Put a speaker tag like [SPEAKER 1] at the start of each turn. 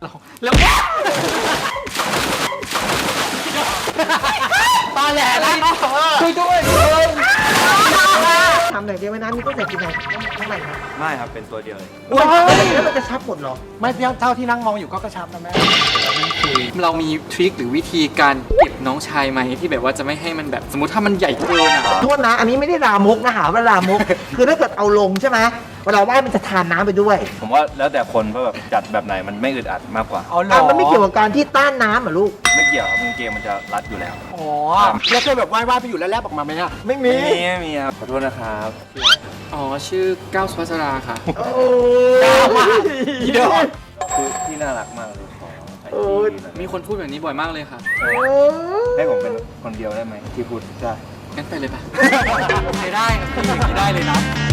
[SPEAKER 1] แล้วตอนแหลแล้วช่วยด้วย
[SPEAKER 2] ทำหน่อยเดียวไว้นะมีต้องใส่กี่ไหนข้างในครับ
[SPEAKER 3] ไม่ครับเป็นตัวเดียวเลย
[SPEAKER 2] แล้วมันจะชับหมดเหรอ
[SPEAKER 1] ไม่เท่าที่นั่งมองอยู่ก็กระชับนะแม่คือเรามีทริคหรือวิธีการเก็บน้องชายไหมที่แบบว่าจะไม่ให้มันแบบสมมติถ้ามันใหญ่เกินอ่ะ
[SPEAKER 2] โทษนะอันนี้ไม่ได้ลามกนะหาว่าลามก คือถ้าเกิดเอาลงใช่ไหมเวลาว่ายมันจะทานน้ำไปด้วย
[SPEAKER 3] ผมว่าแล้วแต่คนว่าแบบจัดแบบไหนมันไม่อึดอัดมากกว่า
[SPEAKER 1] เอาหรอ
[SPEAKER 2] มันไม่เกี่ยวกับการที่ต้านน้ำเหรอลูก
[SPEAKER 3] ไม่เกี่ยวครับกางเกงมันจะรัดอยู่แล้ว
[SPEAKER 1] อ๋อแล้วเคยแบบว่ายไปอยู่แล้วแลบออกมาไหมอ่ะ
[SPEAKER 2] ไม่มี
[SPEAKER 3] ไม่มีครับขอโทษนะครับ
[SPEAKER 1] อ๋อชื่อก้าวสุภัสราค่ะ
[SPEAKER 2] โอ้
[SPEAKER 1] อีดอก
[SPEAKER 3] คือที่น่ารักมากเลยขอไอจี
[SPEAKER 1] มีคนพูดแบบนี้บ่อยมากเลยค่ะ
[SPEAKER 3] ให้ผมเป็นคนเดียวได้ไหมที่พูดได้
[SPEAKER 1] งั้นไปเลยป่ะ ไม่ได้ครับพี่อย่างนี้ได้เลยนะ